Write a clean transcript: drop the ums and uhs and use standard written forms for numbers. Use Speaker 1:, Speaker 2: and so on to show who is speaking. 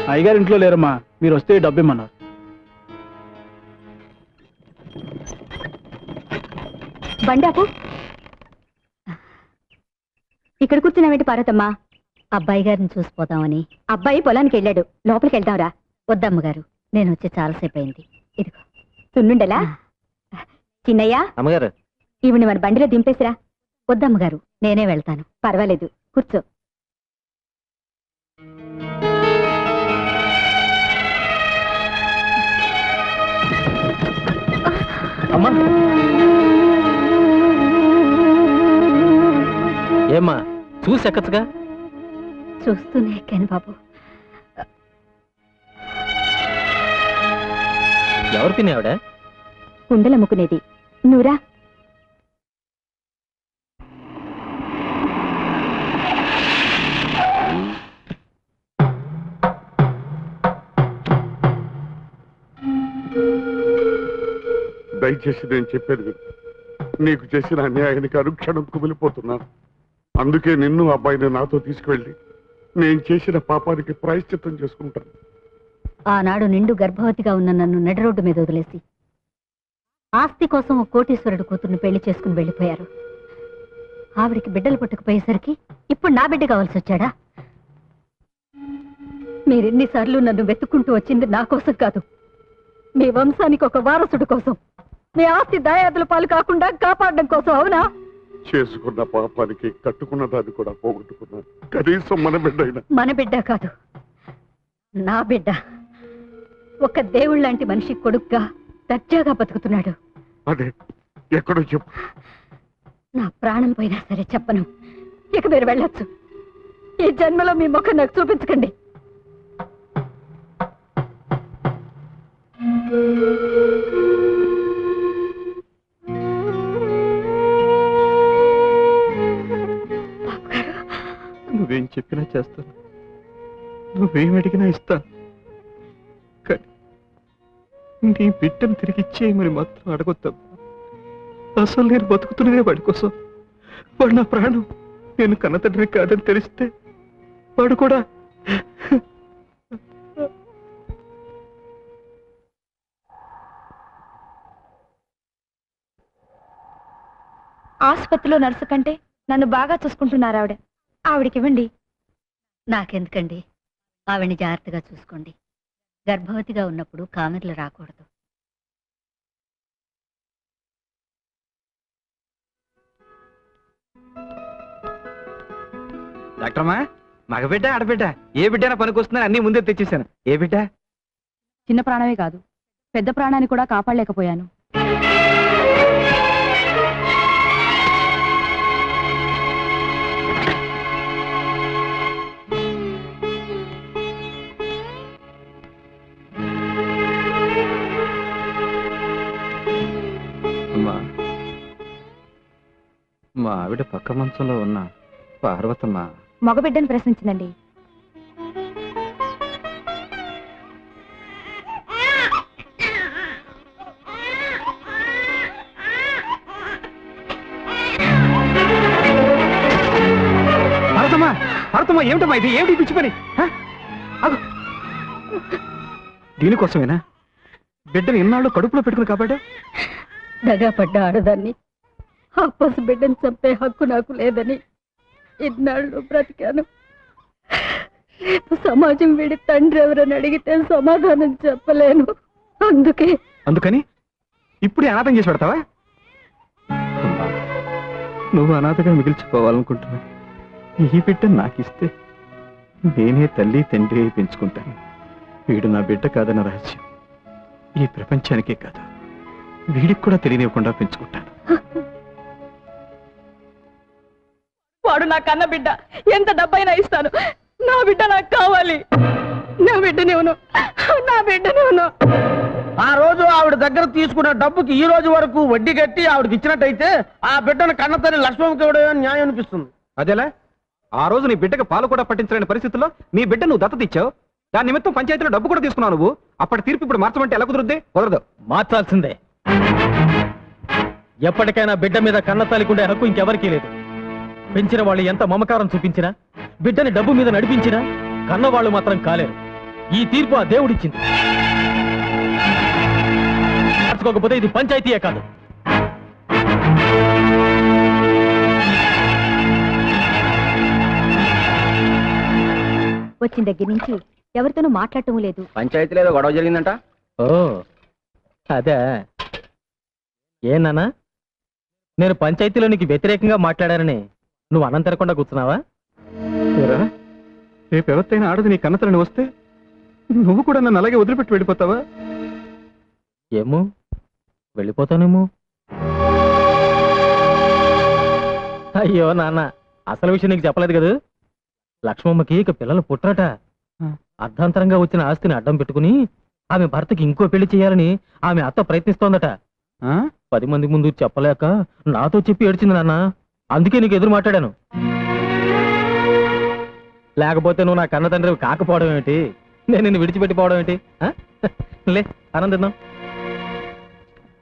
Speaker 1: అయ్యగారు ఇంట్లో లేరమ్మా, మీరు వస్తే డబ్బు ఇమ్మన్నారు.
Speaker 2: బండాపు ఇక్కడ కూర్చున్నావేంటి పార్వతమ్మా?
Speaker 3: అబ్బాయి గారిని చూసిపోతామని.
Speaker 2: అబ్బాయి పొలానికి వెళ్ళాడు, లోపలికి వెళ్తావురా?
Speaker 3: వద్దమ్మగారు, నేను వచ్చి చాలాసేపు అయింది. ఇదిగో
Speaker 2: సున్నుండలా. చిన్నయ్య,
Speaker 4: అమ్మగారు
Speaker 2: ఇవిని మన బండిలో దింపేసిరా.
Speaker 3: వద్దమ్మగారు, నేనే వెళ్తాను.
Speaker 2: పర్వాలేదు, కూర్చో.
Speaker 4: అమ్మా, ఏమ్మా చూసి ఎక్కచ్చుగా?
Speaker 3: చూస్తూనే ఎక్కాను బాబు.
Speaker 4: ఎవరు పిన్ని ఆవిడ?
Speaker 2: కుండలమ్ముకునేది. నువ్వురా.
Speaker 5: దయచేసి నేను చెప్పేది విను. నీకు చేసిన అన్యాయానికి అనుక్షణం కుమిలిపోతున్నాను. అందుకే నిన్ను అబ్బాయిని నాతో తీసుకువెళ్ళి నేను చేసిన పాపానికి ప్రాయశ్చిత్తం చేసుకుంటాను.
Speaker 3: ఆనాడు నిండు గర్భవతిగా ఉన్న నన్ను నడి రోడ్డు మీద వదిలేసి ఆస్తి కోసం ఒక కోటీశ్వరుడు కూతుర్ని పెళ్లి చేసుకుని వెళ్ళిపోయారు. ఆవిడికి బిడ్డలు పుట్టకపోయేసరికి ఇప్పుడు నా బిడ్డ కావాల్సి వచ్చాడా? మీరెన్నిసార్లు నన్ను వెతుక్కుంటూ వచ్చింది నా కోసం కాదు, మీ వంశానికి ఒక వారసుడు కోసం, మీ ఆస్తి దాయాదుల పాలు కాకుండా కాపాడడం కోసం. అవునా?
Speaker 5: చేసుకున్న పాపానికి కట్టుకున్న దాన్ని కూడా పోగొట్టుకున్నాను. కనీసం మన బిడ్డ అయినా.
Speaker 3: మన బిడ్డ కాదు, నా బిడ్డ. ఒక దేవుళ్ళంటి మనిషి కొడుగ్గా దర్జాగా బతుకుతున్నాడు.
Speaker 5: అదే ఎక్కడో చెప్పు.
Speaker 3: నా ప్రాణం పోయినా సరే చెప్పను. ఇక మీరు వెళ్ళొచ్చు. ఈ జన్మలో మీ ముఖం నాకు చూపించకండి.
Speaker 1: నువ్వేం చెప్పినా చేస్తాను, నువ్వేం అడిగినా ఇస్తాను. కానీ నీ బిడ్డను తిరిగి ఇచ్చేయమని మాత్రం అడగొద్దాం. అసలు నేను బతుకుతున్నదే వాడి కోసం. వాడు నా ప్రాణం. నేను కన్నతండ్రి కాదని తెలిస్తే వాడు కూడా.
Speaker 2: ఆసుపత్రిలో నర్సు కంటే నన్ను బాగా చూసుకుంటున్నారు ఆవిడ. ఆవిడకివ్వండి.
Speaker 3: నాకెందుకండి? ఆవిడ్ని జాగ్రత్తగా చూసుకోండి. గర్భవతిగా ఉన్నప్పుడు కామెర్లు రాకూడదు.
Speaker 4: డాక్టర్మా, మగబిడ్డ ఆడబిడ్డ ఏ బిడ్డైనా పనికొస్తుందని అన్ని ముందే తెచ్చేసాను. ఏ బిడ్డ?
Speaker 2: చిన్న ప్రాణమే కాదు, పెద్ద ప్రాణాన్ని కూడా కాపాడలేకపోయాను.
Speaker 4: మా ఆవిడ పక్క మంచంలో ఉన్న పార్వతమ్మ
Speaker 2: మగబిడ్డను ప్రశ్నించిందండి.
Speaker 4: పార్వతమ్మ, పార్వతమ్మ, ఏమిటమ్మా ఇది? ఏమిటి పిచ్చి పని? దీనికోసమేనా బిడ్డను ఇన్నాళ్ళు కడుపులో పెట్టుకుని కాబట్టి?
Speaker 3: దగా పడ్డ ఆడదాన్ని ఆ పసి బిడ్డను చంపే హక్కు నాకు లేదని ఇన్నాళ్ళు బ్రతికాను. రేపు సమాజం వీడి తండ్రి ఎవరని అడిగితే సమాధానం చెప్పలేను.
Speaker 4: అందుకని ఇప్పుడు అనాథం చేసి పెడతావా?
Speaker 1: నువ్వు అనాథగా మిగిల్చిపోవాలనుకుంటున్నా. ఈ బిడ్డ నాకిస్తే నేనే తల్లి తండ్రి అయి పెంచుకుంటాను. వీడు నా బిడ్డ కాదన్న రహస్యం ఈ ప్రపంచానికే కాదు, వీడికి కూడా తెలియనివ్వకుండా పెంచుకుంటాను.
Speaker 2: వాడు నా కన్న బిడ్డ. ఎంత డబ్బైనా ఇస్తాను. నా బిడ్డ నాకు కావాలి. నా బిడ్డనేవును, నా బిడ్డనేవును.
Speaker 6: ఆ రోజు ఆవిడ దగ్గర తీసుకున్న డబ్బుకి ఈ రోజు వరకు వడ్డీ కట్టి ఆవిడకి ఇచ్చినట్టయితే ఆ బిడ్డను కన్నతల్లి లక్ష్మమ్మకి ఇవ్వడం న్యాయం అనిపిస్తుంది.
Speaker 4: అదేలా? ఆ రోజు నీ బిడ్డకు పాలు కూడా పట్టించలేని పరిస్థితుల్లో నీ బిడ్డ నువ్వు దత్తత ఇచ్చావు. దాని నిమిత్తం పంచాయతీలో డబ్బు కూడా తీసుకున్నావు నువ్వు. అప్పటి తీర్పు ఇప్పుడు మార్చమంటే ఎలా కుదురుద్ది? కుదరదు.
Speaker 6: మార్చాల్సిందే. ఎప్పటికైనా బిడ్డ మీద కన్నతల్లికుండే హక్కు ఇంకెవరికీ లేదు. పెంచిన వాళ్ళు ఎంత మమకారం చూపించినా, బిడ్డని డబ్బు మీద నడిపించినా కన్నవాళ్ళు మాత్రం కాలేరు.
Speaker 7: ఈ తీర్పు ఆ దేవుడిచ్చింది. మార్చుకోకపోతే ఇది పంచాయతీయే కాదు.
Speaker 3: వచ్చిన దగ్గర నుంచి ఎవరితోనూ మాట్లాడటం లేదు.
Speaker 6: పంచాయతీలో ఏదో గొడవ జరిగిందంట.
Speaker 7: ఓ అదే ఏనానా, నేను పంచాయతీలో నీకు వ్యతిరేకంగా మాట్లాడానని నువ్వు అన్నం తినకుండా కూర్చున్నావా?
Speaker 1: ఏరా, రేపు ఎవరితైనా ఆడది నీ కన్నతలని వస్తే నువ్వు కూడా నన్ను అలాగే వదిలిపెట్టి వెళ్ళిపోతావా?
Speaker 7: ఏమో, వెళ్ళిపోతానేమో. అయ్యో నాన్న, అసలు విషయం నీకు చెప్పలేదు కదా. లక్ష్మమ్మకి ఇక పిల్లలు పుట్టరట. అర్ధాంతరంగా వచ్చిన ఆస్తిని అడ్డం పెట్టుకుని ఆమె భర్తకి ఇంకో పెళ్లి చేయాలని ఆమె అత్త ప్రయత్నిస్తోందట. 10 మంది ముందు చెప్పలేక నాతో చెప్పి ఏడ్చింది నాన్న. అందుకే నీకు ఎదురు మాట్లాడాను. లేకపోతే నువ్వు నా కన్న తండ్రి కాకపోవడం ఏమిటి, నేను నిన్ను విడిచిపెట్టిపోవడం ఏంటి? లే, ఆనందిద్దాం.